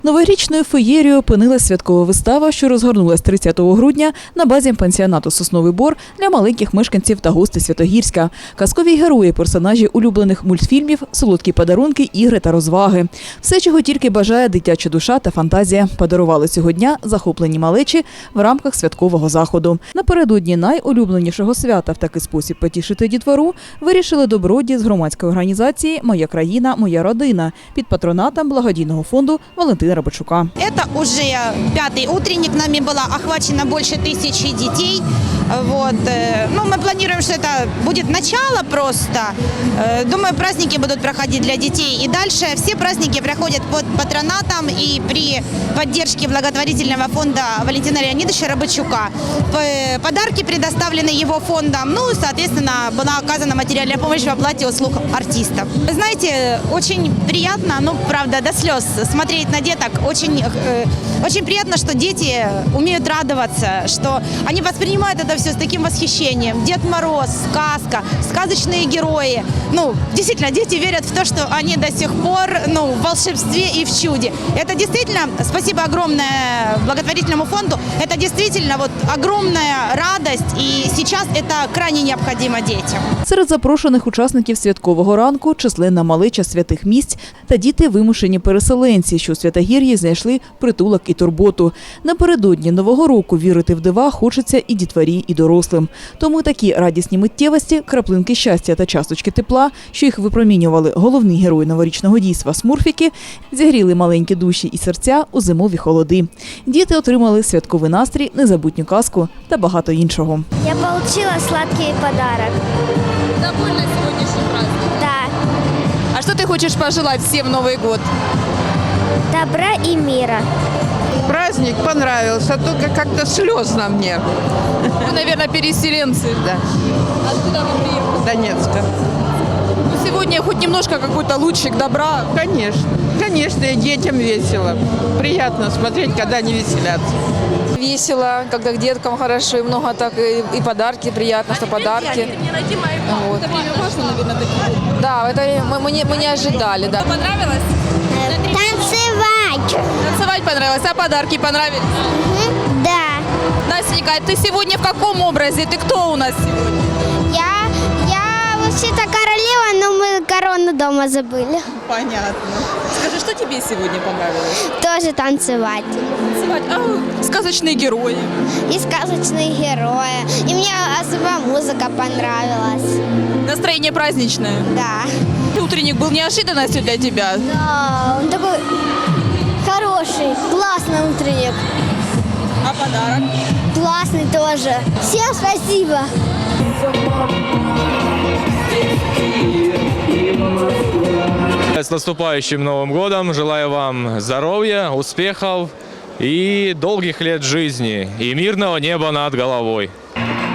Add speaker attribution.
Speaker 1: Новорічною феєрією опинилась святкова вистава, що розгорнулась 30 грудня на базі пансіонату «Сосновий Бор» для маленьких мешканців та гостей Святогірська. Казкові герої, персонажі улюблених мультфільмів, солодкі подарунки, ігри та розваги. Все, чого тільки бажає дитяча душа та фантазія, подарували цього дня захоплені малечі в рамках святкового заходу. Напередодні найулюбленішого свята в такий спосіб потішити дітвору вирішили добродії з громадської організації «Моя країна, моя родина» під патронатом благодійного фонду Валентина Рибачука.
Speaker 2: Это уже 5-й утренник, нами было охвачено больше 1000 детей. Вот. Ну, мы планируем, что это будет начало просто. Думаю, праздники будут проходить для детей. И дальше все праздники проходят под патронатом и при поддержке благотворительного фонда Валентина Леонидовича Рыбачука. Подарки предоставлены его фондом. Ну, соответственно, была оказана материальная помощь в оплате услуг артистов. Вы знаете, очень приятно, ну, правда, до слез смотреть на деток. Очень приятно, что дети умеют радоваться, что они воспринимают это все с таким восхищением. Дед Мороз, сказка, сказочные герои. Ну, действительно, дети верят в то, что они до сих пор, ну, в волшебстве и в чуде. Это действительно, спасибо огромное благотворительному фонду, это действительно вот огромная радость, и сейчас это крайне необходимо детям.
Speaker 1: Серед запрошених учасників святкового ранку численна малеча святих місць та діти вимушені переселенці, що у Святогір'ї знайшли притулок і турботу. Напередодні Нового року вірити в дива хочеться і дітворі, і дорослим. Тому такі радісні миттєвості, краплинки щастя та часточки тепла, що їх випромінювали головні герої новорічного дійства смурфіки, зігріли маленькі душі і серця у зимові холоди. Діти отримали святковий настрій, незабутню казку та багато іншого.
Speaker 3: Я получила сладкий подарок.
Speaker 4: Довольна сегодняшним праздником?
Speaker 3: Да.
Speaker 4: А что ты хочешь пожелать всем в Новый год?
Speaker 3: Добра и мира.
Speaker 5: Праздник понравился, только как-то слезно мне.
Speaker 4: Вы, наверное, переселенцы.
Speaker 5: Да,
Speaker 4: Откуда вы приехали?
Speaker 5: Донецка.
Speaker 4: Ну, сегодня хоть немножко какой-то лучик добра.
Speaker 5: Конечно, и детям весело. Приятно смотреть, когда они веселятся.
Speaker 6: Весело, когда к деткам хорошо, и много так, и подарки, приятно, что подарки. Вот.
Speaker 4: Это время важно, наверное, такие.
Speaker 6: Да, это мы не ожидали, да.
Speaker 4: Понравилось?
Speaker 3: Танцевать.
Speaker 4: Танцевать понравилось, а подарки понравились?
Speaker 3: Да.
Speaker 4: Настенька, а ты сегодня в каком образе? Ты кто у нас сегодня?
Speaker 3: Я вообще-то королева, но мы корону дома забыли.
Speaker 4: Понятно. Скажи, что тебе сегодня понравилось?
Speaker 3: Тоже танцевать.
Speaker 4: Танцевать? Сказочные герои.
Speaker 3: И сказочные герои. И мне особо музыка понравилась.
Speaker 4: Настроение праздничное.
Speaker 3: Да.
Speaker 4: Утренник был неожиданностью для тебя.
Speaker 3: Да, он такой хороший, классный утренник.
Speaker 4: А подарок?
Speaker 3: Классный тоже. Всем спасибо.
Speaker 7: С наступающим Новым годом! Желаю вам здоровья, успехов и долгих лет жизни, и мирного неба над головой.